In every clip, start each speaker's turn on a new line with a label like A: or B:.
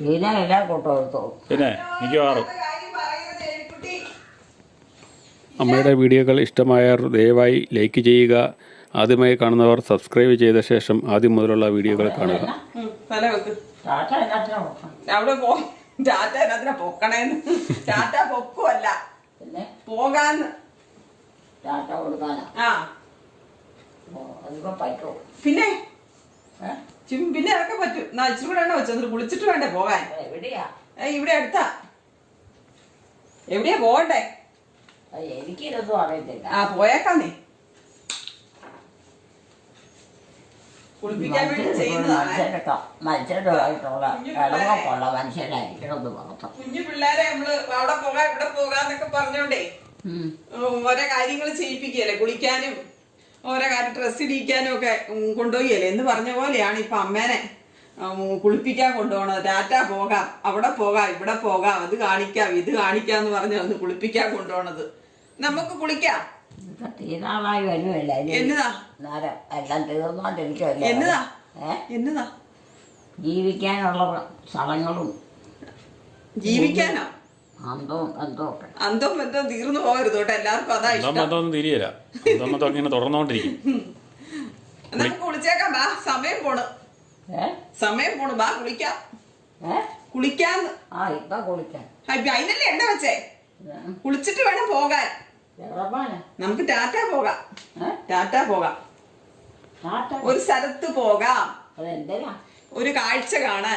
A: പിന്നെ മിക്കവാറും അമ്മയുടെ വീഡിയോകൾ ഇഷ്ടമായവർ ദയവായി ലൈക്ക് ചെയ്യുക. ആദ്യമായി കാണുന്നവർ സബ്സ്ക്രൈബ് ചെയ്ത ശേഷം ആദ്യം മുതലുള്ള വീഡിയോകൾ കാണുക.
B: അവിടെ ടാറ്റ അതിനെ പൊക്കണേന്ന്. ടാറ്റ പൊക്കുമല്ല, പോകാന്ന്. പിന്നെ പിന്നെ അതൊക്കെ പറ്റും. ഇച്ചിരി കൂടെ എണ്ണ വെച്ചു കുളിച്ചിട്ട് വേണ്ടേ പോകാൻ? ഇവിടെ അടുത്താ. എവിടെയാ പോകണ്ടേ?
C: എനിക്കിതൊന്നും അറിയത്തില്ല.
B: പോയേക്കാന്നേ. കുളിപ്പിക്കാൻ വേണ്ടി ചെയ്യുന്നതാണ്. കുഞ്ഞു പിള്ളേരെ നമ്മള് അവിടെ പോകാം ഇവിടെ പോകാന്നൊക്കെ പറഞ്ഞോണ്ടേ ഓരോ കാര്യങ്ങൾ ചെയ്യിപ്പിക്കല്ലേ. കുളിക്കാനും ഓരോ കാര്യം ഡ്രസ്സ് ഇടിക്കാനും ഒക്കെ കൊണ്ടുപോയല്ലേ എന്ന് പറഞ്ഞ പോലെയാണ് ഇപ്പൊ അമ്മേനെ കുളിപ്പിക്കാൻ കൊണ്ടുപോകണത്. ടാറ്റ പോകാം, അവിടെ പോകാം, ഇവിടെ പോകാം, അത് കാണിക്കാം, ഇത് കാണിക്കാന്ന് പറഞ്ഞ ഒന്ന് കുളിപ്പിക്കാൻ കൊണ്ടുപോണത്. നമുക്ക് കുളിക്കാം.
C: തീരാളായി വരുമല്ല.
B: എന്നതാ
C: എല്ലാം തീർന്നോണ്ടിരിക്കുമല്ലോ.
B: എന്നതാ എന്നതാ
C: ജീവിക്കാനുള്ള സ്ഥലങ്ങളും
B: ജീവിക്കാനോ
C: അന്തവും
B: ബന്ധവും തീർന്നു പോകരുത് കേട്ടോ. എല്ലാവർക്കും അതാ ഇഷ്ടം.
A: തിരിയല്ല ഇങ്ങനെ തുടർന്നോണ്ടിരിക്കും.
B: നമുക്ക് കുളിച്ചേക്കാം. ബാ, സമയം പോണ്. ബാ കുളിക്കാം. കുളിക്കാന്ന്.
C: ഇപ്പൊ കുളിക്കാം.
B: അതിനല്ലേ എണ്ണ വെച്ചേ? കുളിച്ചിട്ട് വേണം പോകാൻ. നമുക്ക് ടാറ്റ പോകാം. ടാറ്റ പോകാം. ഒരു സ്ഥലത്ത് പോകാം. ഒരു കാഴ്ച കാണാൻ.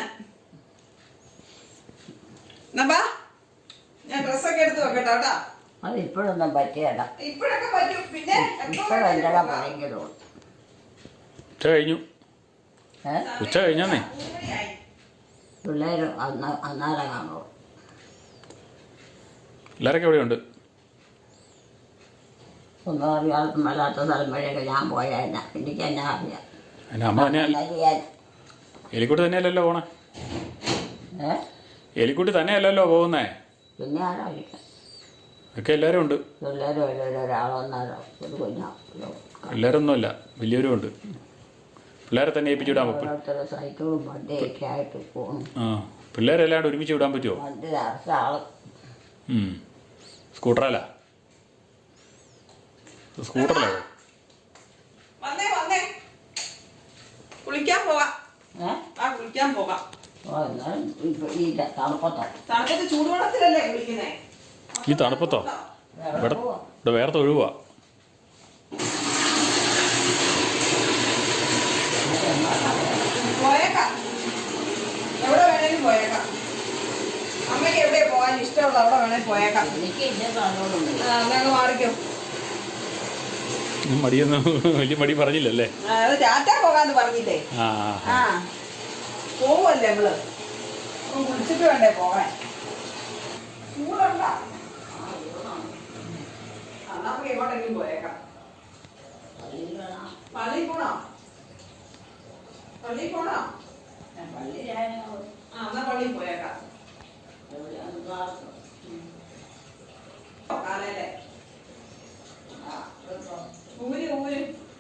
B: ഞാൻ ഡ്രസ്സൊക്കെ എടുത്ത് വെക്കട്ടോ കേട്ടാ.
C: അത് ഇപ്പോഴൊന്നും പറ്റിയല്ല.
B: ഇപ്പോഴൊക്കെ പറ്റും. പിന്നെ
A: ഉച്ച കഴിഞ്ഞാന്നേ
C: പിള്ളേര് അന്നേരം കാണുള്ളൂ.
A: എല്ലാരൊക്കെ എവിടെയുണ്ട്?
C: ഒന്നും അറിയാത്ത വല്ലാത്ത സ്ഥലം വഴിയൊക്കെ ഞാൻ പോയാൽ എനിക്ക് എന്നാ അറിയാം.
A: അമ്മ തന്നെ എലിക്കുട്ടി തന്നെയല്ലല്ലോ പോണേ. എലിക്കുട്ടി തന്നെയല്ലല്ലോ പോകുന്നേ.
C: പിന്നെ ആരായിരിക്കാം?
A: ഒക്കെ എല്ലാവരും ഉണ്ട്.
C: പിള്ളേരും ഒരാളൊന്നാരോ ഒരു കുഞ്ഞോ
A: പിള്ളേരൊന്നുമല്ല, വലിയവരും ഉണ്ട്. പിള്ളേരെ തന്നെ ഏൽപ്പിച്ചു വിടാൻ പറ്റും.
C: സൈക്കിളും വണ്ടിയൊക്കെ ആയിട്ട് പോകും.
A: പിള്ളേരെല്ലാണ്ട് ഒരുമിച്ച് വിടാൻ പറ്റുമോ?
C: വണ്ടി നിറച്ച ആള്.
A: സ്കൂട്ടറല്ല, സ്കൂട്ടറല്ലേ?
B: കുളിക്കാൻ പോകാം. കുളിക്കാൻ പോകാം. തണുപ്പത്ത് ചൂടുവെള്ളത്തിലല്ലേ കുളിക്കുന്നേ?
A: ഈ തണുപ്പത്തോ? ഇവിടെ വേറെ തൊഴുവാ.
B: പോയേക്കാം, എവിടെ വേണേലും പോയേക്കാം. അമ്മയ്ക്ക് എവിടെയാ പോകാൻ ഇഷ്ടമുള്ള അവിടെ വേണേൽ പോയേക്കാം. അങ്ങ് മാറിക്കും.
A: മടിയൊന്നും വലിയ മടി പറഞ്ഞില്ലല്ലേ?
B: ടാറ്റ പോകാന്ന് പറഞ്ഞില്ലേ? പോവല്ലേ നമ്മള്. കുളിച്ചിട്ട് വേണ്ടേ പോകാൻ? ചൂടുണ്ടാ? നമുക്ക് എങ്ങോട്ടെങ്കിലും പോയേക്കാം. പള്ളിയിൽ പോണോ? പള്ളിയിൽ പോണോ? എന്നാ പള്ളിയിൽ പോയേക്കാം. കാലല്ലേ ഊര് ഊര്.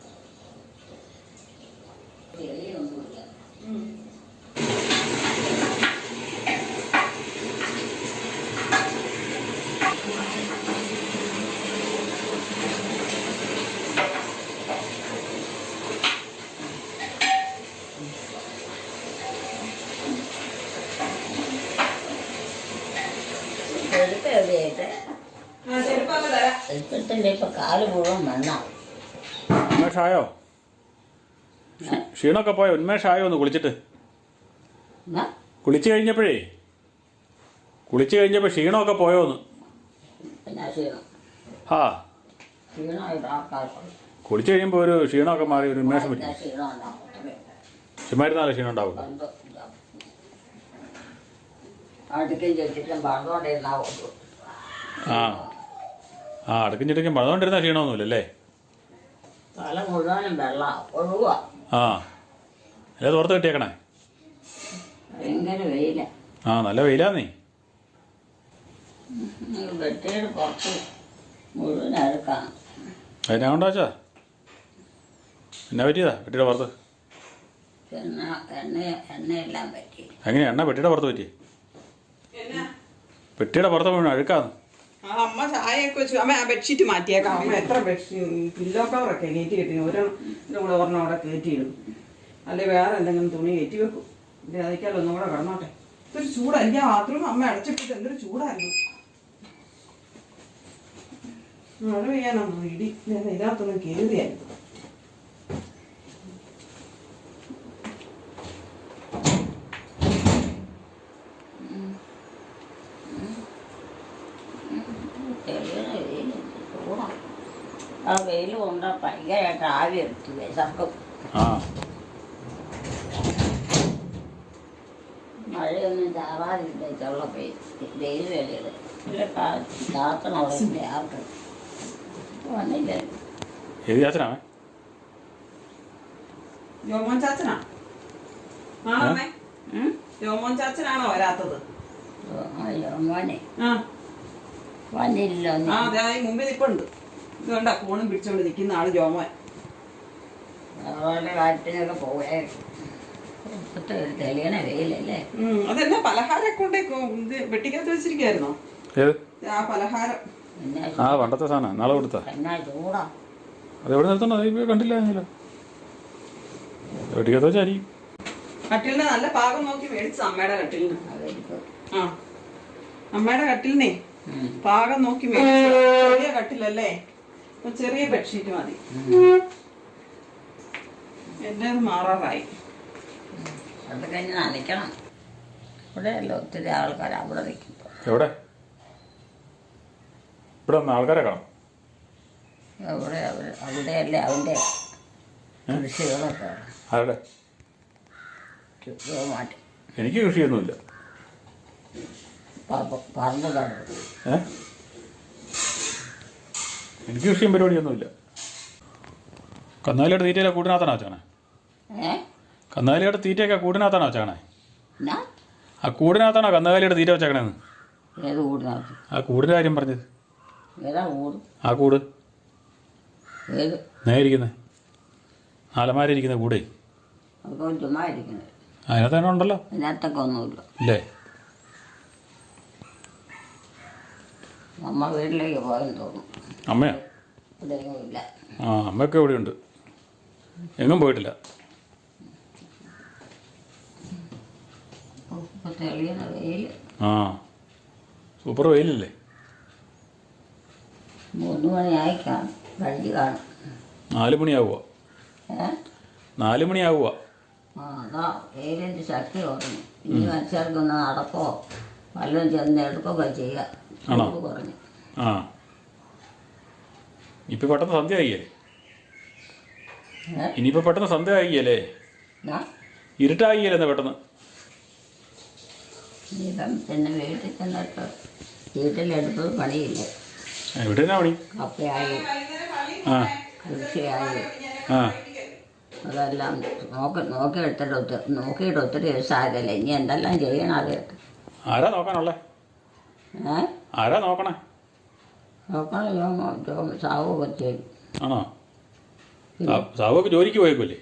C: ഇപ്പൊ കാല് മുഴുവൻ മണ്ണാ.
A: ഉന്മേഷായോ? ക്ഷീണമൊക്കെ പോയോ? ഉന്മേഷായോ? ഒന്ന് കുളിച്ചിട്ട് കുളിച്ചു കഴിഞ്ഞപ്പോഴേ ക്ഷീണമൊക്കെ പോയോന്ന്? കുളിച്ചു കഴിയുമ്പോൾ ഒരു ക്ഷീണമൊക്കെ മാറി ഒരു ഉന്മേഷം പറ്റും. ചുമ്മാരുന്നാലേ ക്ഷീണം ഉണ്ടാവില്ല. അടുക്കും ചിട്ടയ്ക്കും പഴന്നുകൊണ്ടിരുന്ന ക്ഷീണമൊന്നുമില്ലല്ലേ?
C: തല മുഴുവനും വെള്ളം ഒഴുകുക.
A: അല്ലേ തോർത്ത് കിട്ടിയേക്കണേ?
C: ഭയങ്കര വെയില.
A: നല്ല വെയിലാന്നേ.
C: വെട്ടിയുടെ പുറത്ത് മുഴുവൻ അഴുക്കാണ്.
A: അതിനാ കൊണ്ടാച്ചാ? എന്നാ പറ്റിയതാ വെട്ടിയുടെ പുറത്ത്?
C: എണ്ണയെല്ലാം പറ്റി.
A: എങ്ങനെയാ എണ്ണ പെട്ടിയുടെ പുറത്ത് പറ്റി?
B: എന്നാ
A: പെട്ടിയുടെ പുറത്ത് വീണു അഴുക്കാന്ന്.
B: ആ അമ്മ ചായയൊക്കെ വെച്ചു. അമ്മ ആ ബെഡ്ഷീറ്റ് മാറ്റിയേക്കാം. അമ്മ എത്ര പില്ലോ കവറൊക്കെ കയറ്റി കെട്ടി ഒരെണ്ണം കൂടെ ഒരെണ്ണം അവിടെ കയറ്റിയിടും. അല്ലെ വേറെ എന്തെങ്കിലും തുണി കയറ്റി വെക്കും. ഇത് അതിക്കാൽ ഒന്നും കൂടെ കിടന്നോട്ടെ. ഇതൊരു ചൂടാ. എനിക്ക് ആ ബാത്റൂം അമ്മ അടച്ചിട്ടിട്ട് എന്തൊരു ചൂടായിരുന്നു. മഴ പെയ്യാനാണോ ഇടി? ഇതിനകത്തൊന്നും കയറിയായിരുന്നു.
C: ആ വെയിൽ കൊണ്ട് ഭയങ്കരമായിട്ട് ആവി എടുത്തു വിശക്കും.
A: ആ
C: മഴയൊന്നും ചാറാതില്ല വെയിൽ വേലയത് ചാത്തണവിടെ ആർക്ക് വന്നില്ല.
A: ഏത് ചാച്ചനാണ്?
B: ജോമോൻ ചാച്ചനാ? ആണോ അമ്മേ? ജോമോൻ ചാച്ചനാണോ വരാത്തത്?
C: മോനെ
B: ആ
C: വന്നില്ലല്ലോ.
B: ആ അതെ ഈ മുമ്പിൽ നിപ്പുണ്ട്. ഇതുകൊണ്ടാ ഫോണും പിടിച്ചോണ്ട് നിൽക്കുന്ന ആള് ജോമോൻ.
C: അതുപോലെ കാര്യത്തിനൊക്കെ പോയാൽ തെളിയണ വെയിലല്ലേ.
B: അതെന്നാ പലഹാരമൊക്കെ കൊണ്ടേ ഇത് വെട്ടിക്കകത്ത് വെച്ചിരിക്കായിരുന്നോ?
A: ഏത്?
B: ആ പലഹാരം.
A: ആ പണ്ടത്തെ സാധനം നാളെ കൊടുത്താ.
C: എന്നാ ചൂടാ.
A: അത് എവിടെ നിർത്തണോ? അത് കണ്ടില്ല. വെട്ടിക്കകത്ത് വെച്ചായിരിക്കും.
B: കട്ടിലിന് നല്ല പാകം നോക്കി മേടിച്ച അമ്മയുടെ കട്ടിലിന്. ആ അമ്മയുടെ കട്ടിലിനെ പാകം നോക്കി മേടിച്ച ചെറിയ കട്ടിലല്ലേ, ചെറിയ ബെഡ്ഷീറ്റ് മതി. എൻ്റെ മാറാറായി.
C: അത് കഴിഞ്ഞ് നനയ്ക്കണം. ഇവിടെയല്ല ഒത്തിരി ആൾക്കാർ അവിടെ നിൽക്കുമ്പോൾ.
A: എവിടെ? ഇവിടെ ഒന്ന് ആൾക്കാരെ കാണാം.
C: അവിടെ അവിടെയല്ലേ അവൻ്റെ കൃഷികളൊക്കെ
A: ആരുടെ?
C: മാറ്റി
A: എനിക്ക് കൃഷിയൊന്നുമില്ല.
C: പറമ്പ് കണ്ടു.
A: എനിക്ക് കൃഷിയും പരിപാടിയൊന്നുമില്ല. കന്നാലിയുടെ തീറ്റയിലെ കൂടിനകത്താണോ വെച്ചാണേ? കന്നാലിയുടെ തീറ്റയൊക്കെ കൂടിനകത്താണോ വെച്ചാണേ? ആ കൂടിനകത്താണോ കന്നുകാലിയുടെ തീറ്റ വെച്ചേക്കണേന്ന്?
C: ഏത് കൂടിനകത്ത്?
A: ആ കൂടിൻ്റെ കാര്യം പറഞ്ഞത്.
C: ഏതാ കൂട്?
A: ആ കൂട്
C: ഏത്
A: നേരിക്കുന്നത് അലമാരിയിരിക്കുന്ന കൂടേ.
C: അതൊക്കെ ചുമ്മാ ഇരിക്കുന്നത്.
A: അതിനകത്ത് തന്നെ ഉണ്ടല്ലോ.
C: അതിനകത്തൊക്കെ ഒന്നുമില്ല.
A: ഇല്ലേ?
C: അമ്മ വീട്ടിലേക്ക് പോയെന്ന് തോന്നുന്നു.
A: അമ്മയോ?
C: ഇവിടെയൊന്നും ഇല്ല.
A: ആ അമ്മയൊക്കെ ഇവിടെയുണ്ട്, എങ്ങും പോയിട്ടില്ല.
C: തെളിയണ വെയിൽ.
A: ആ സൂപ്പർ വെയിലല്ലേ?
C: 3 മണിയായി കാണും, കഴിഞ്ഞ് കാണും.
A: 4 മണിയാവുക. 4 മണിയാവുക.
C: ആ അതാ വെയിലിൻ്റെ ശക്തി കുറഞ്ഞു. ഇനി മനുഷ്യർക്കൊന്ന് നടക്കോ വല്ലതും ചെന്ന് എടുക്കുകയൊക്കെ ചെയ്യാം.
A: ആണോ?
C: കുറഞ്ഞു.
A: ആ ഇപ്പം പെട്ടെന്ന് സന്ധ്യ ആയില്ലേ? ഇനിയിപ്പോൾ പെട്ടെന്ന് സന്ധ്യ ആയില്ലേ? ഇരുട്ടായില്ലേ പെട്ടെന്ന്?
C: ഇപ്പം പിന്നെ വീട്ടിൽ ചെന്നിട്ട് വീട്ടിലെടുത്തത് പണിയില്ല.
A: എവിടെയാ പണി?
C: കപ്പയായി,
A: ആ
C: കൃഷിയായി,
A: ആ
C: അതെല്ലാം നോക്കിയിട്ട് ഒത്തിരി ദിവസമായതല്ലേ. ഇനി എന്തെല്ലാം ചെയ്യണം അത്.
A: ആരാ നോക്കാനുള്ളേ? ആരാ നോക്കണേ?
C: നോക്കണം സാവൊക്കെ ചെയ്യും.
A: ആണോ? സാവൊക്കെ ജോലിക്ക് പോയേക്കുമല്ലേ?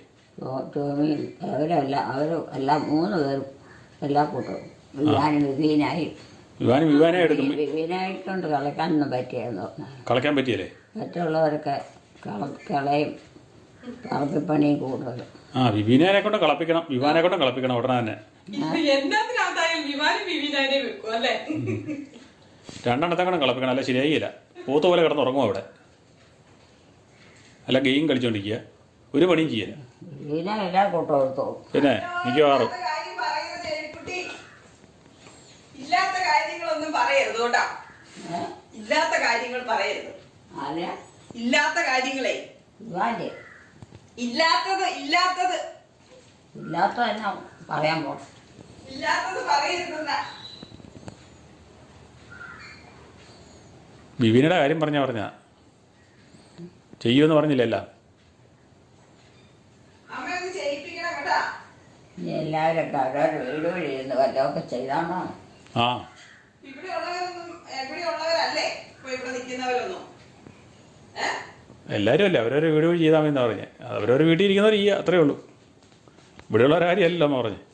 A: അവരെല്ലാം 3 പേരും എല്ലാ കൂട്ടവും വിവീനായി എടുക്കും.
C: വിവീനായിക്കൊണ്ട് കളിക്കാനൊന്നും പറ്റിയെന്ന്
A: കളിക്കാൻ പറ്റിയല്ലേ?
C: മറ്റുള്ളവരൊക്കെ കളയും പറമ്പിപ്പണിയും കൂടുതലും.
A: ആ വിവീനെ കൊണ്ട് കളിപ്പിക്കണം, വിവാനെ കൊണ്ട് കളിപ്പിക്കണം ഉടനെ തന്നെ. രണ്ടെണ്ണത്തെ കൊണ്ട് കളിപ്പിക്കണം, അല്ല ശരിയായില്ല. പോത്ത് പോലെ കിടന്നുറങ്ങും അവിടെ, അല്ല ഗെയിം കളിച്ചോണ്ടിരിക്കുക, ഒരു പണിയും ചെയ്യല.
C: എല്ലാ കൂട്ടം എടുത്തോ.
A: പിന്നെ മിക്കവാറും
B: ഇല്ലാത്ത കാര്യങ്ങളൊന്നും പറയരുത് കേട്ടാ. ഇല്ലാത്ത കാര്യങ്ങൾ പറയരുത്. ഇല്ലാത്ത കാര്യങ്ങളെ ഇല്ലാത്തത്
C: തന്നെ പറയാൻ പോണം.
B: ഇല്ലാത്തത് പറയരുതെന്നാ.
A: വിവീനയുടെ കാര്യം പറഞ്ഞ ചെയ്യുമെന്ന് പറഞ്ഞില്ലല്ല.
B: അമ്മയൊന്ന് ചെയ്യിപ്പിക്കണം കേട്ടാ.
C: എല്ലാവരൊക്കെ അവരവരുടെ വീട് വഴി ഇരുന്ന് വല്ലതൊക്കെ ചെയ്താണോ?
A: ആ
B: ഇവിടെ ഉള്ളവരല്ലേ ഇപ്പൊ ഇവിടെ നിൽക്കുന്നവരൊന്നും.
A: എല്ലാവരും അല്ലേ, അവരവരുടെ വീട് വഴി ചെയ്താൽ മതി എന്നാ പറഞ്ഞത്. അവരവരുടെ വീട്ടിൽ ഇരിക്കുന്നവർ ചെയ്യുക, അത്രേ ഉള്ളൂ. ഇവിടെയുള്ള ഒരു കാര്യമല്ലോ അമ്മ പറഞ്ഞ്.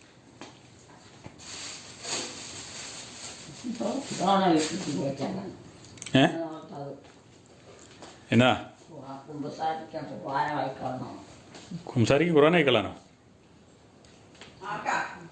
A: ഏ എന്നാ കുംസാരിക്ക് ഖുർആൻ അയക്കളാണോ?
B: ആർക്കാ?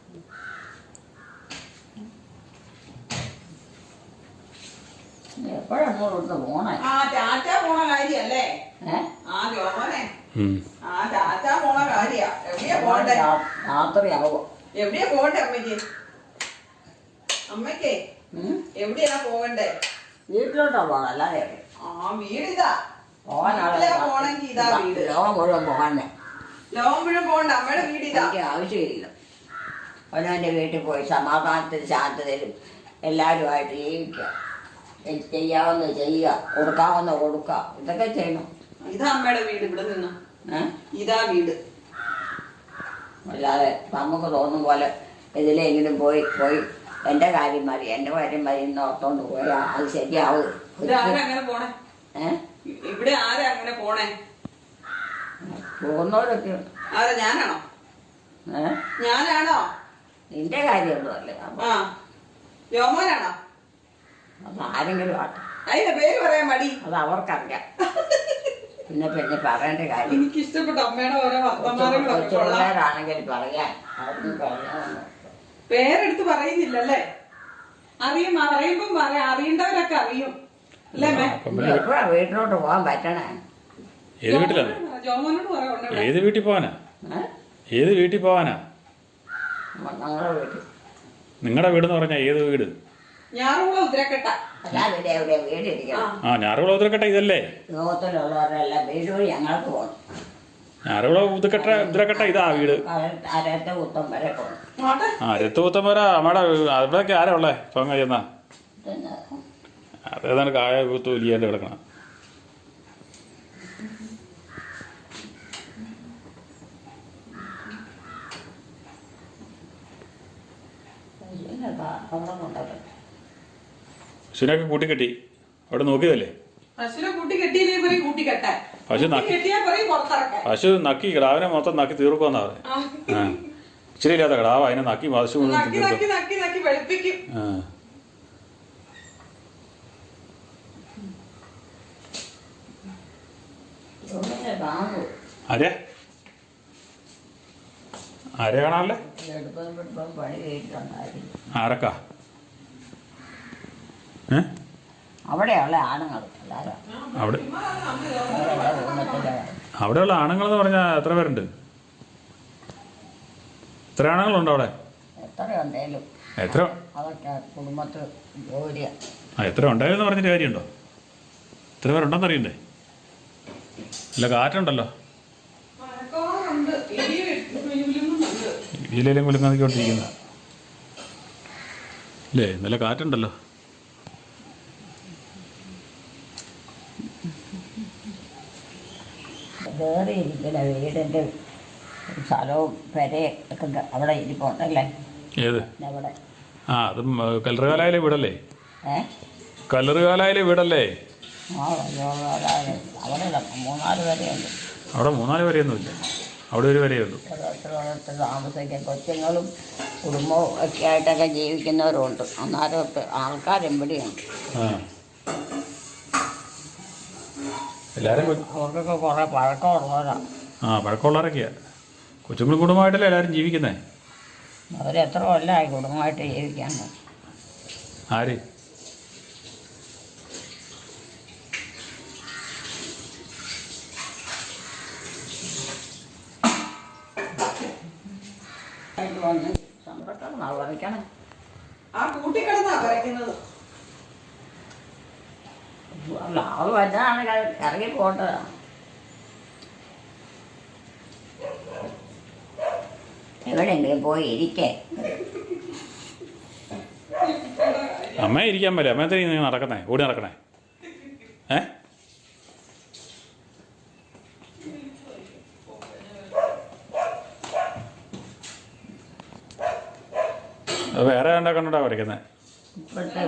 C: എപ്പോഴെപ്പോഴും പോണേ
B: ആ ടാറ്റ പോണ കാര്യല്ലേ? ആ ജോമോനെ ആ ടാറ്റ പോണ കാര്യ. എവിടെയാ പോണ്ടേ?
C: രാത്രിയാവോ?
B: എവിടെയാ പോണ്ടേ അമ്മയ്ക്ക്? അമ്മയ്ക്കേ എവിടെയാ പോകണ്ടേ?
C: വീട്ടിലോട്ടാ പോകണം. അല്ലാതെ
B: ആ വീടിതാ.
C: പോകാനാണ്
B: പോണെങ്കി ഇതാ വീട്.
C: ലോകം മുഴുവൻ പോകാനേ
B: ലോകം മുഴുവൻ പോകണ്ട. അമ്മയുടെ വീടിതാ.
C: എനിക്ക് ആവശ്യമില്ല. അവനവൻ്റെ വീട്ടിൽ പോയി സമാധാനത്തിലും ശാന്തതയിലും എല്ലാവരുമായിട്ട് ജീവിക്കുക. ചെയ്യാവുന്ന ചെയ്യുക, കൊടുക്കാവുന്ന കൊടുക്കുക, ഇതൊക്കെ ചെയ്യണം.
B: ഇതാ അമ്മയുടെ വീട്. ഇവിടെ നിന്ന് ഇതാ വീട്.
C: അല്ലാതെ നമുക്ക് തോന്നും പോലെ ഇതിലെങ്കിലും പോയി പോയി എൻ്റെ കാര്യം മതി എൻ്റെ കാര്യം മതി എന്ന് ഓർത്തോണ്ട് പോയാൽ അത് ശരിയാവും.
B: അങ്ങനെ പോണേ? ഇവിടെ ആരാ അങ്ങനെ പോണേ?
C: പോകുന്നവരൊക്കെ.
B: ആരാ? ഞാനാണോ? ഞാനാണോ?
C: നിന്റെ കാര്യമൊന്നുമല്ലേ.
B: ആ ജോമോനാണോ?
C: അത് ആരെങ്കിലും ആട്ടെ.
B: അതിന്റെ പേര് പറയാൻ മടി.
C: അത് അവർക്കറിയാം. പിന്നെ പിന്നെ പറയേണ്ട കാര്യം.
B: എനിക്ക് ഇഷ്ടപ്പെട്ട അമ്മയുടെ ഓരോ വർത്തമാനങ്ങളാണെങ്കിൽ
C: പറയാൻ പറയാമെന്ന്
B: പേരെടുത്ത് പറയുന്നില്ലല്ലേ? അറിയും. പറയുമ്പം അറിയേണ്ടവരൊക്കെ അറിയും അല്ലേ?
C: എപ്പോഴാ വീട്ടിലോട്ട് പോകാൻ പറ്റണേ?
A: ഏത് വീട്ടിലാണ്?
B: ജോമോനോട് പറയാം.
A: ഏത് വീട്ടിൽ പോവാനാ? ഏത് വീട്ടിൽ പോവാനാ?
C: ഞങ്ങളുടെ വീട്ടിൽ.
A: നിങ്ങളുടെ വീടെന്ന് പറഞ്ഞാൽ ഏത് വീട്?
B: ഞാറുകുളം ഉദ്രക്കെട്ട.
C: അല്ലാതെ എവിടെ വീടിരിക്കണം?
A: ആ ഞാറുകുളം ഉദ്രക്കെട്ട ഇതല്ലേ?
C: ലോകത്തിലുള്ളവരെല്ലാം വീട് വഴി ഞങ്ങൾക്ക് പോകണം.
A: ഞാറുകുളം ഉദ്രക്കെട്ട ഇതാ വീട്.
C: അരത്തെ കുത്തം വരെ പോകണം.
A: ആ രത്തുകുത്തം വരെ നമ്മുടെ അവിടെയൊക്കെ ആരാ ഉള്ളേ? ഇപ്പം കഴിയുന്ന അതേതാണ് കായ കുത്തു വലിയാണ്ട് കിടക്കണം. പശുവിനൊക്കെ കൂട്ടിക്കെട്ടി അവിടെ നോക്കിയതല്ലേ?
B: പശുവിനെ കൂട്ടി കെട്ടിയില്ലേ പറയും കൂട്ടിക്കെട്ടാൻ.
A: പശു നക്കി കിടാവിനെ മൊത്തം നക്കി തീർക്കുമെന്നാ പറഞ്ഞത്. ഇച്ചിരി ഇല്ലാത്ത കിടാവ് അതിനെ നക്കി പശു
B: വെളുപ്പിക്കും.
A: ആരെ ആരെ കാണാനല്ലേ? ആരക്കാ?
C: അവിടെയുള്ള ആണുങ്ങൾ
A: അവിടെയുള്ള ആണുങ്ങൾ എന്ന് പറഞ്ഞാൽ എത്ര പേരുണ്ട്? എത്ര ആണുങ്ങളുണ്ട് അവിടെ?
C: എത്രയുണ്ടേലും
A: എത്ര
C: അതൊക്കെ കുടുംബത്തിൽ ജോലിയാ.
A: എത്ര ഉണ്ടായിരുന്നു പറഞ്ഞിട്ട് കാര്യമുണ്ടോ? എത്ര പേരുണ്ടെന്ന് അറിയണ്ടേ? അല്ല കാറ്റുണ്ടല്ലോ. ഇടിയിലേലും കുലുങ്ങാതിക്കൊണ്ടിരിക്കുന്ന അല്ലേ? നല്ല കാറ്റുണ്ടല്ലോ.
C: കയറിയിരിക്കുന്ന വീടിൻ്റെ സ്ഥലവും പെരയും ഒക്കെ അവിടെ ഇരിപ്പുണ്ടല്ലേ?
A: ഏത്?
C: അവിടെ.
A: ആ അതും കല്ലറുകാലായിലെ വീടല്ലേ?
C: കല്ലറുകാലായിലെ
A: വീടല്ലേ?
C: അവിടെ 3-4 വരെയുണ്ട്.
A: അവിടെ 3-4 വരെയൊന്നുമില്ല. അവിടെ ഒരു വരെയേ ഉള്ളൂ.
C: ഓരോരുത്തരോടൊത്ത് താമസിക്കാൻ കൊച്ചുങ്ങളും കുടുംബവും ഒക്കെ ആയിട്ടൊക്കെ ജീവിക്കുന്നവരുണ്ട്. അന്നേരമൊക്കെ ആൾക്കാരെവിടെയുണ്ട്.
A: എല്ലാവരും
C: അവർക്കൊക്കെ കുറേ പഴക്കമുള്ളവരാണ്.
A: പഴക്കമുള്ളവരൊക്കെയാ. കൊച്ചുങ്ങളും കുടുംബമായിട്ടല്ലേ എല്ലാവരും ജീവിക്കുന്നേ?
C: അവരെത്ര കൊല്ലമായി കുടുംബമായിട്ട് ജീവിക്കാൻ?
A: ആര്?
C: വരയ്ക്കണം.
B: ആ കൂട്ടിക്കിടന്നാ വരയ്ക്കുന്നത്.
C: അല്ല അവൾ വലുതാണെങ്കിൽ ഇറങ്ങി പോട്ടതാണ്. എവിടെയെങ്കിലും പോയി ഇരിക്കേ.
A: അമ്മ ഇരിക്കാൻ പറ്റില്ല. അമ്മയത്തെ നീ നടക്കുന്നേ, ഓടി നടക്കണേ. അത് വേറെ കണ്ടാ കണ്ടോണ്ടാ വരയ്ക്കുന്നത്.
C: ഇപ്പോഴത്തെ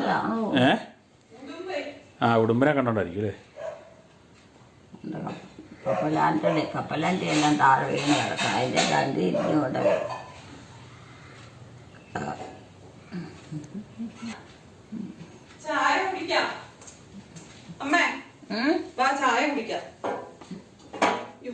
C: വെയിലെന്താണോ?
A: ഉടുമ്പിനെ കണ്ടോണ്ടായിരിക്കും അല്ലേ?
C: കപ്പലാൻ്റെ എല്ലാം താഴെ വീണ് കിടക്കണം. അതിൻ്റെ രണ്ട് ഇരുന്നുകൊണ്ട്
B: ചായ കുടിക്കാം അമ്മേ. വാ ചായ കുടിക്കാം. യ്യോ.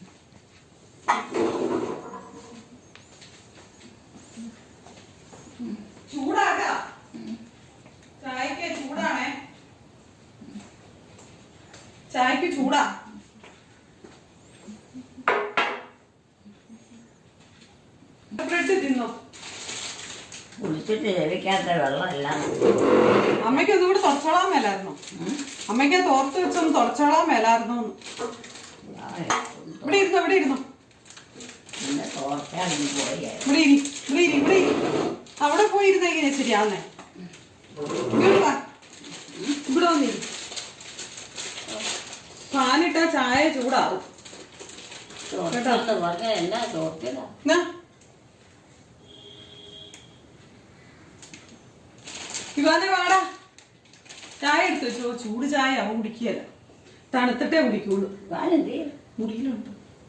B: ചൂടാക്കാ ചായക്ക് ചൂടാണേ. ചായക്ക് ചൂടാ. ബ്രെഡ് തിന്നോ.
C: കുളിച്ചിട്ട് ലഭിക്കാത്ത വെള്ളമല്ല.
B: അമ്മയ്ക്ക് അതുകൂടെ തുടച്ചോളാൻ മേലായിരുന്നു. അമ്മയ്ക്ക് തോർത്ത് വെച്ചൊന്ന് തുടച്ചോളാൻ മേലായിരുന്നു. ഇവിടെ ഇരുന്നോ, ഇവിടെ ഇരുന്നോ,
C: പിന്നെ തോർച്ചാണെങ്കിൽ പോയി
B: ഇവിടെ ഇരി, ഇവിടെ ഇരി, ഇവിടെ ഇരി. അവിടെ പോയിരുന്ന എങ്ങനെയാ ശരിയാവുന്നേ? ഇങ്ങോട്ട് വാ, ഇവിടെ വന്നിരി. ഫാനിട്ടാ ചായ ചൂടാവും.
C: പറഞ്ഞ എന്നാ തോർത്തില്ല.
B: എന്നാ ഇവാനെ വാടാ, ചായ എടുത്തു വെച്ചോ. ചൂട് ചായ അവൻ കുടിക്കുകയല്ല, തണുത്തിട്ടേ കുടിക്കുള്ളൂ. മുറിയിലുണ്ട്.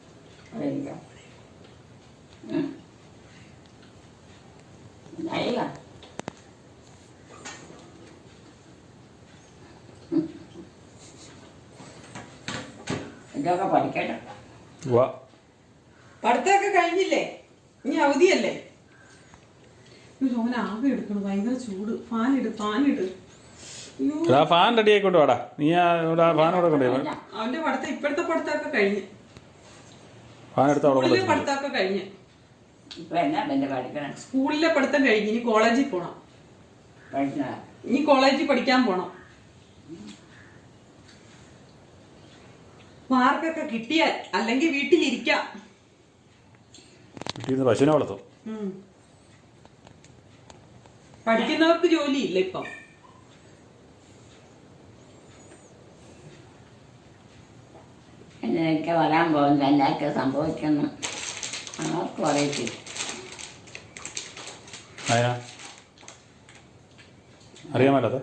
C: ഇതൊക്കെ പഠിക്കട്ടെ.
B: പഠിത്തമൊക്കെ കഴിഞ്ഞില്ലേ? ഇനി അവധിയല്ലേ? ഓനെ ആകെ എടുക്കണം, ഭയങ്കര ചൂട്. ഫാനിട്, ഫാനിട്.
A: ഫാൻ റെഡി ആയിക്കൊണ്ട് വാടാ. നീ ഫാൻ കൊടുക്കണ്ടേ?
B: അവന്റെ പഠിത്തം ഇപ്പോഴത്തെ പഠിത്തമൊക്കെ കഴിഞ്ഞ്,
A: ഫാൻ എടുത്ത്
B: സ്കൂളിലെ പഠിത്തമൊക്കെ കഴിഞ്ഞ്. സ്കൂളിലെ പഠിത്തം കഴിഞ്ഞ് ഇനി കോളേജിൽ പോണം. ഇനി കോളേജിൽ പഠിക്കാൻ പോണം. മാർക്കൊക്കെ കിട്ടിയാൽ, അല്ലെങ്കിൽ വീട്ടിലിരിക്കാം.
A: പശുവിനെ വളർത്തും.
B: പഠിക്കുന്നവർക്ക് ജോലിയില്ല ഇപ്പം.
C: എന്നൊക്കെ വരാൻ പോകുന്നത് എന്നൊക്കെ സംഭവിക്കുന്നു ആർക്കും അറിയത്തില്ല.
A: അറിയാൻ മേലാതെ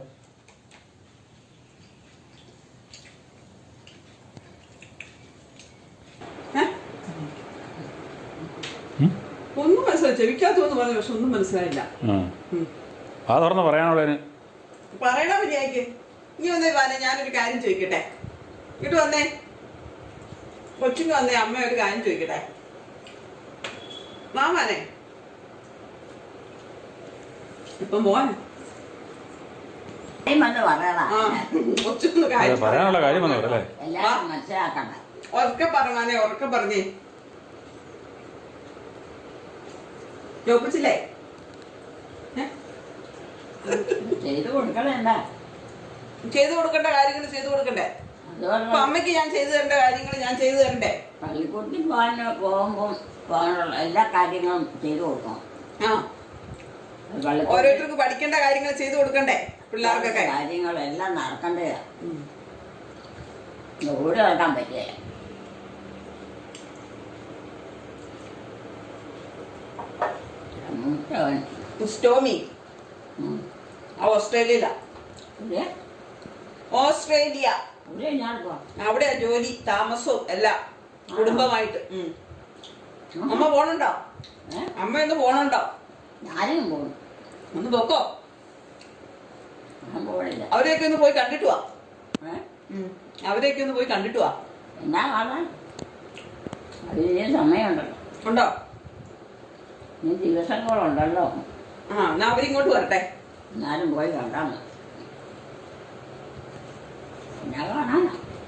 B: ഒന്നും മനസ്സിലായി. ചെവിക്കാത്തൊന്നും പറഞ്ഞു, പക്ഷെ ഒന്നും മനസ്സിലായില്ല.
A: ആ തുറന്ന് പറയാനുള്ളതിന്
B: പറയണ മര്യാദക്ക്. നീ വന്നേ വാനെ, ഞാനൊരു കാര്യം ചോദിക്കട്ടെ. ഇങ്ങോട്ട് വന്നേ, കൊച്ചിങ് വന്നേ. അമ്മ ഒരു കാര്യം ചോദിക്കട്ടെ. മാമാനെ ഇപ്പൊ മോനെ കൊച്ചൊന്ന് കാര്യം
A: പറയാനുള്ള കാര്യം വന്നവരല്ലേ?
C: എല്ലാവരും മനസ്സിലാക്കണ്ട.
B: ഉറക്കെ പറഞ്ഞേ, ഉറക്കെ പറഞ്ഞേ. ചോപ്പിച്ചില്ലേ?
C: ചെയ്തു കൊടുക്കണല്ല.
B: ചെയ്തു കൊടുക്കേണ്ട കാര്യങ്ങൾ ചെയ്തു കൊടുക്കണ്ടേ? അപ്പൊ അമ്മയ്ക്ക് ഞാൻ ചെയ്തു തരേണ്ട കാര്യങ്ങൾ ഞാൻ ചെയ്തു തരണ്ടേ?
C: പള്ളിക്കൂടത്തിൽ പോകുമ്പോൾ പോകാനുള്ള എല്ലാ കാര്യങ്ങളും ചെയ്തു കൊടുക്കണം.
B: ഓരോരുത്തർക്ക് പഠിക്കേണ്ട കാര്യങ്ങൾ ചെയ്തു കൊടുക്കണ്ടേ? പിള്ളേർക്കൊക്കെ
C: കാര്യങ്ങളെല്ലാം നടക്കണ്ടേ. ഓടി നടക്കാൻ പറ്റിയ
B: സ്റ്റോമി ഓസ്ട്രേലിയയിലാ. ഓസ്ട്രേലിയ. അവിടെയാ ജോലി, താമസവും എല്ലാം കുടുംബമായിട്ട്. അമ്മ പോണുണ്ടോ? അമ്മ ഒന്ന് പോണുണ്ടോ?
C: ഞാനും പോകും.
B: ഒന്ന് പോക്കോ.
C: ഞാൻ പോണില്ല.
B: അവരെയൊക്കെ ഒന്ന് പോയി കണ്ടിട്ട് വാ. അവരെയൊക്കെ ഒന്ന് പോയി കണ്ടിട്ട് വാ.
C: എന്നാ കാണാൻ അതിന് സമയമുണ്ടല്ലോ.
B: ഉണ്ടോ?
C: ഇനി ദിവസങ്ങളുണ്ടല്ലോ.
B: എന്നാ അവരിങ്ങോട്ട് വരട്ടെ.
C: എന്നാലും പോയി കണ്ടാൽ മതി. എന്നാ കാണാനാ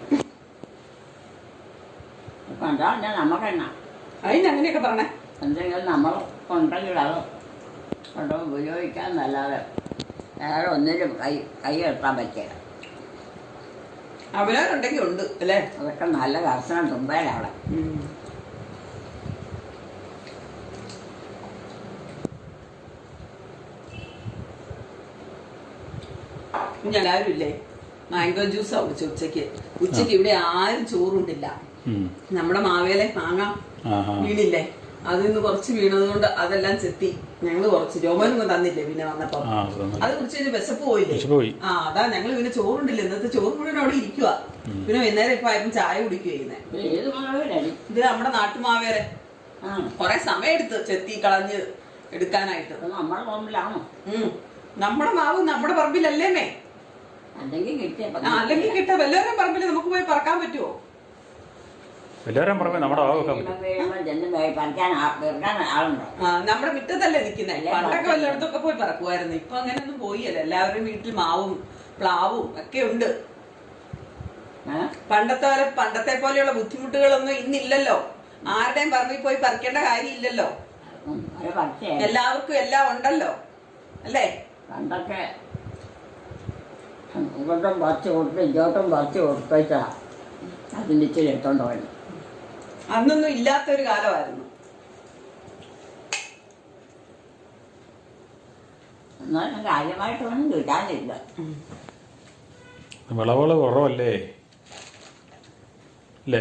C: കണ്ടാൽ നമുക്കെന്നാ
B: അതിനങ്ങനെയൊക്കെ പറഞ്ഞേ.
C: എന്തെങ്കിലും നമ്മൾ ഉണ്ടെങ്കിൽ അത് കൊണ്ട് ഉപയോഗിക്കാന്നല്ലാതെ വേറെ ഒന്നിലും കൈ എടുത്താൻ പറ്റില്ല.
B: അവരവരുണ്ടെങ്കിൽ ഉണ്ട് അല്ലേ?
C: അതൊക്കെ നല്ല കർശനം തുമ്പയിലവിടെ.
B: എല്ലാവരും ഇല്ലേ മാംഗോ ജ്യൂസാ കുടിച്ചു ഉച്ചക്ക്. ഉച്ചക്ക് ഇവിടെ ആരും ചോറുണ്ടില്ല. നമ്മുടെ മാവേലെ മാങ്ങ വീണില്ലേ, അതിൽ നിന്ന് കുറച്ച് വീണത് കൊണ്ട് അതെല്ലാം ചെത്തി ഞങ്ങള് കുറച്ച് രോമനൊന്നും തന്നില്ലേ പിന്നെ വന്നപ്പോ
A: ആ അത് തന്നു.
B: അത് കുറിച്ച് കഴിഞ്ഞ് വിശപ്പ് പോയില്ലേ.
A: വിശപ്പ് പോയി.
B: ആ അതാ ഞങ്ങള് പിന്നെ ചോറുണ്ടില്ല, ഇന്നത്തെ ചോറ് മുഴുവൻ അവിടെ ഇരിക്കുക. പിന്നെ വൈകുന്നേരം ഇപ്പൊ ആയപ്പം ചായ കുടിക്കുക ചെയ്യുന്നേ.
C: ഏത് മാവേലാണ്?
B: ഇത് നമ്മുടെ നാട്ടുമാവേരെ കൊറേ സമയം എടുത്ത് ചെത്തി കളഞ്ഞ് എടുക്കാനായിട്ട്.
C: നമ്മുടെ പറമ്പിലാണോ?
B: നമ്മുടെ മാവ് നമ്മുടെ പറമ്പിലല്ലേമേ.
C: അല്ലെങ്കിൽ കിട്ടിയ
B: അല്ലെങ്കിൽ കിട്ടാ വല്ലവരും പറമ്പിൽ നമുക്ക് പോയി പറക്കാൻ പറ്റുമോ?
A: എല്ലാവരും പറഞ്ഞ നമ്മുടെ ഭാഗം വെക്കാൻ പറ്റും.
C: ചെന്ന് പറിക്കാൻ ആളുണ്ടോ?
B: നമ്മുടെ മുറ്റത്തല്ലേ നിക്കുന്നേ. പണ്ടൊക്കെ വല്ലയിടത്തൊക്കെ പോയി പറക്കുമായിരുന്നു. ഇപ്പൊ അങ്ങനെയൊന്നും പോയില്ല. എല്ലാവരും വീട്ടിൽ മാവും പ്ലാവും ഒക്കെ ഉണ്ട്. പണ്ടത്തെ പോലെയുള്ള ബുദ്ധിമുട്ടുകളൊന്നും ഇന്നില്ലല്ലോ. ആരുടെയും പറമ്പിൽ പോയി പറിക്കേണ്ട കാര്യമില്ലല്ലോ. എല്ലാവർക്കും എല്ലാം ഉണ്ടല്ലോ അല്ലേ?
C: പണ്ടൊക്കെ ഇങ്ങോട്ടും പറിച്ച് കൊടുത്ത് ഇങ്ങോട്ടും പറിച്ച് കൊടുത്താ അതിൻ്റെ ഇച്ചിരി എടുത്തോണ്ട് പോയി.
B: അന്നൊന്നും ഇല്ലാത്തൊരു കാലമായിരുന്നു.
C: എന്നാലും കാര്യമായിട്ടൊന്നും കിട്ടാനില്ല.
A: വിളവുകൾ കുറവല്ലേ അല്ലേ?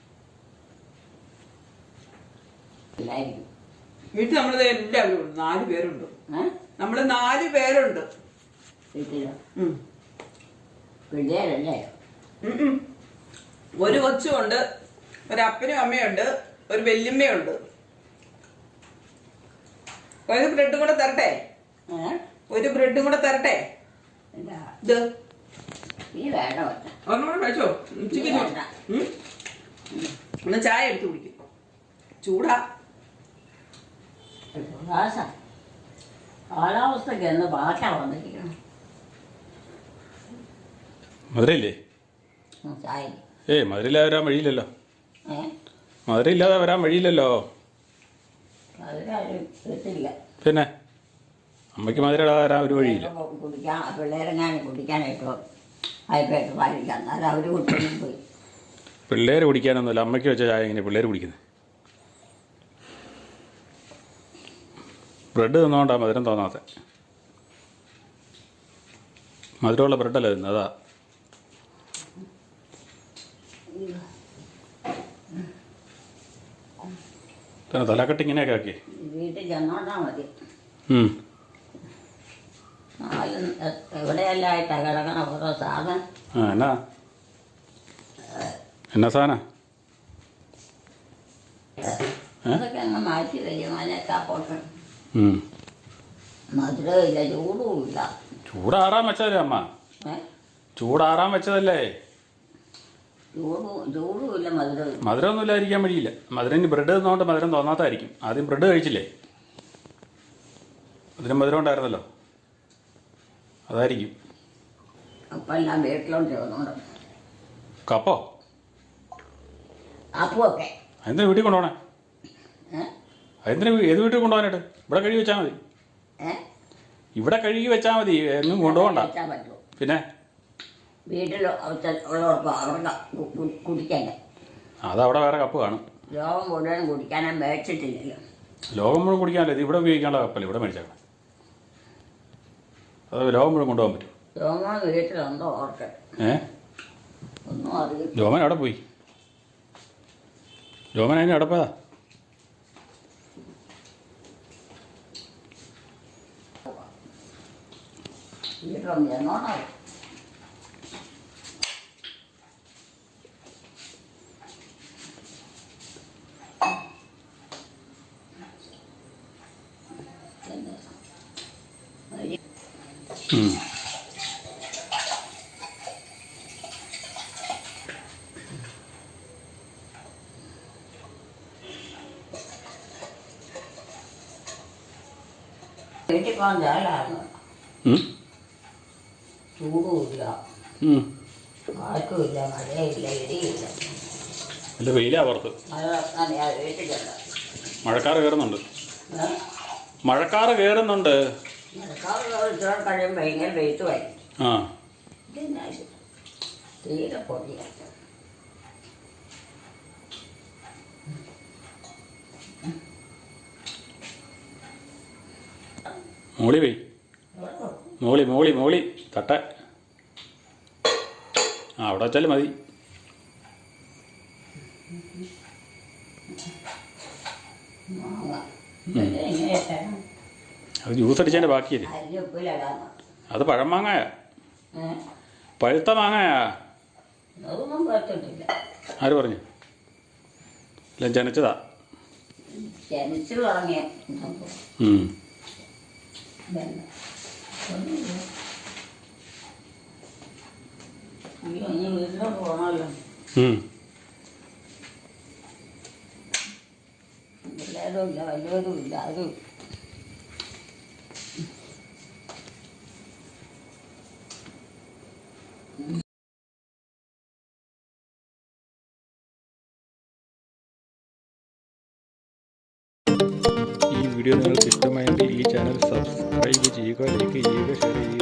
C: ഇല്ലായിരിക്കും.
B: വീട്ടിൽ നമ്മളിത് എല്ലാവരും ഉണ്ട്. 4 പേരുണ്ട്. നമ്മള് 4 പേരുണ്ട്
C: വീട്ടിലോ? പിള്ളേരല്ലേ?
B: ഒരു കൊച്ചുമുണ്ട്, ഒരു അപ്പനും അമ്മയുണ്ട്, ഒരു വല്യമ്മയുണ്ട്. ഒരു ബ്രെഡും കൂടെ തരട്ടെ? ഒരു ബ്രെഡും കൂടെ തരട്ടെ? ഇത്
C: ഈ വേണോ?
B: ഒന്നുകൂടെ കഴിച്ചോ. ഉച്ചയ്ക്ക് ഒന്ന് ചായ എടുത്ത് കുടിക്കും. ചൂടാ.
C: കാലാവസ്ഥക്ക് എന്ന് ഭാഷ വന്നിരിക്കണം.
A: മധുരയില്ലേ?
C: ചായ
A: മധുരയില്ലാതെ വരാൻ വഴിയില്ലല്ലോ. മധുരയില്ലാതെ വരാൻ വഴിയില്ലല്ലോ.
C: അതിനാരും കിട്ടില്ല.
A: പിന്നെ അമ്മയ്ക്ക് മധുരയില്ലാതെ വരാൻ ഒരു വഴിയില്ല.
C: കുടിക്കാൻ പിള്ളേരെങ്ങാനും കുടിക്കാനായിട്ടോ ആയിപ്പോയിട്ട് പാലിക്കാം. എന്നാലും അവർ കുട്ടിയും പോയി.
A: പിള്ളേർ കുടിക്കാനൊന്നുമില്ല. അമ്മയ്ക്ക് വെച്ച ചായ എങ്ങനെ പിള്ളേർ കുടിക്കുന്നത്? ബ്രെഡ് തിന്നുകൊണ്ടാണ് മധുരം തോന്നാത്ത. മധുരമുള്ള ബ്രെഡല്ലേ തിന്നത്, അതാ. തന്നെ തലക്കെട്ട് ഇങ്ങനെയൊക്കെ ആക്കി
C: വീട്ടിൽ ചെന്നോണ്ടാ മതി. എവിടെയെല്ലായിട്ടാണ് കിടക്കണ ഓരോ സാധനം.
A: എന്നാ സാധനം?
C: അതൊക്കെ അങ്ങ് മാറ്റി വരും. അതിനൊക്കെ പോട്ട് മധുരമില്ല, ചൂടുമില്ല.
A: ചൂടാറാൻ വെച്ചതല്ലേ അമ്മ? ചൂടാറാൻ വെച്ചതല്ലേ?
C: ചൂടുമില്ല, മധുരമില്ല.
A: മധുരമൊന്നും ഇല്ലായിരിക്കാൻ വഴിയില്ല. മധുരം ബ്രെഡ് തിന്നുകൊണ്ട് മധുരം തോന്നാത്തായിരിക്കും. ആദ്യം ബ്രെഡ് കഴിച്ചില്ലേ? അതിന് മധുരം ഉണ്ടായിരുന്നല്ലോ, അതായിരിക്കും.
C: അപ്പം എല്ലാം വീട്ടിലോട്ട് വന്നോണ്ട്.
A: കപ്പോ?
C: അപ്പമൊക്കെ
A: അതിന് വീട്ടിൽ കൊണ്ടുപോകണേ? അതിന് ഏത് വീട്ടിൽ കൊണ്ടുപോകാനായിട്ട്? ഇവിടെ കഴുകി വെച്ചാൽ മതി. ഇവിടെ കഴുകി വെച്ചാൽ മതി, എന്നും കൊണ്ടുപോകണ്ട. പിന്നെ
C: വീട്ടിൽ ഉള്ളവർക്ക് അവിടെ കുടിക്കണ്ടേ?
A: അതവിടെ വേറെ കപ്പ് കാണും.
C: ലോകം മുഴുവൻ കുടിക്കാനും മേടിച്ചിട്ടില്ലല്ലോ.
A: ലോകം മുഴുവൻ കുടിക്കാനല്ലേ? ഇത് ഇവിടെ ഉപയോഗിക്കാനുള്ള കപ്പല്ലേ ഇവിടെ മേടിച്ചേക്കണം. അത് ലോകം മുഴുവൻ കൊണ്ടുപോകാൻ പറ്റും.
C: രോമൻ വീട്ടിലുണ്ടോ ഓർക്ക്? ഒന്നും അറിയില്ല.
A: രോമൻ അവിടെ പോയി. രോമൻ അതിന് അടപ്പതാ.
C: വീട്ടിലൊന്നും എന്നോണോ? വീട്ടിൽ പോകാൻ ചേലായിരുന്നു. ചൂടുമില്ല, കാറ്റുമില്ല, മഴയില്ല, ഇടിയില്ല.
A: അല്ല വെയിലാ പുറത്ത്.
C: മഴ വീട്ടിലുണ്ട്.
A: മഴക്കാറ് കയറുന്നുണ്ട്. മഴക്കാറ് കയറുന്നുണ്ട്.
C: മഴക്കാറ് കഴിയുമ്പോൾ ഇങ്ങനെ വെയിറ്റ് വരും.
A: ആ
C: തീരെ പൊടിയ.
A: മോളി പോയി. മോളി മോളി മോളി തട്ട. അവിടെ വെച്ചാലും മതി.
C: മാങ്ങ എങ്ങനെയൊക്കെ
A: അത് ജ്യൂസ് അടിച്ചതിൻ്റെ ബാക്കിയല്ലേ.
C: അരിഞ്ഞുപ്പിലിടാന്ന്.
A: അത് പഴം മാങ്ങായ, പഴുത്ത മാങ്ങായാ.
C: അതൊന്നും പറ്റിട്ടില്ല.
A: ആര് പറഞ്ഞു? ഇല്ല, ജനിച്ചതാ.
C: ജനിച്ചു തുടങ്ങിയ
A: ഉം.
C: വീട്ടിലോട്ട് പോകണമല്ലോ. പിള്ളേരും ഇല്ല, വലിയവരും ഇല്ല. അത്
A: ഈ വീഡിയോ നിങ്ങൾക്ക് ഇഷ്ടമായെങ്കിൽ ഈ ചാനൽ സബ്സ്ക്രൈബ് ചെയ്യുക, ലൈക്ക് ചെയ്യുക, ഷെയർ ചെയ്യുക.